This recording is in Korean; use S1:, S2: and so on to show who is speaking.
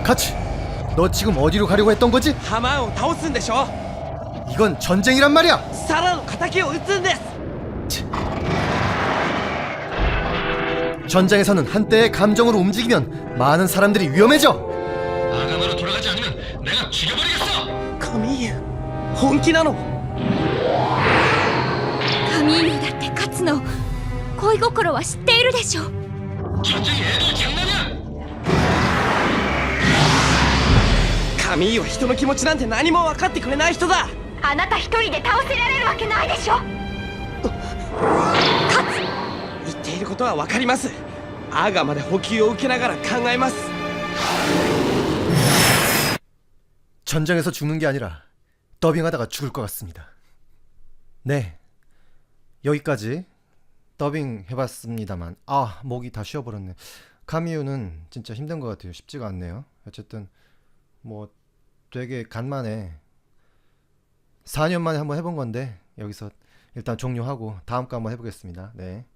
S1: 카츠, 너 지금 어디로 가려고 했던 거지?
S2: ハマーンを倒すんでしょ。
S1: 이건 전쟁이란 말이야.
S2: サラの敵を撃つんです。
S1: 전장에서는 한때의 감정으로 움직이면 많은 사람들이 위험해져.
S3: 아가마로 돌아가지 않으면 내가 죽여버리겠어.
S2: カミーユ本気なの。
S4: カミーユだって勝つの恋心は知っているでしょ。
S3: 전쟁이 애들 장난이야.
S2: カミーユは人の気持ちなんて何も分かってくれない人だ。
S4: あなた一人で倒せられるわけないでしょ。
S2: 言っていることは分かります。アーガまで補給を受けながら考えます。
S1: 전장에서 죽는 게 아니라 더빙하다가 죽을 것 같습니다. 네, 여기까지 더빙 해봤습니다만 목이 다 쉬어버렸네. 카미유는 진짜 힘든 것 같아요. 쉽지가 않네요. 어쨌든 뭐 되게 간만에 4년 만에 한번 해본 건데 여기서 일단 종료하고 다음 거 한번 해보겠습니다. 네.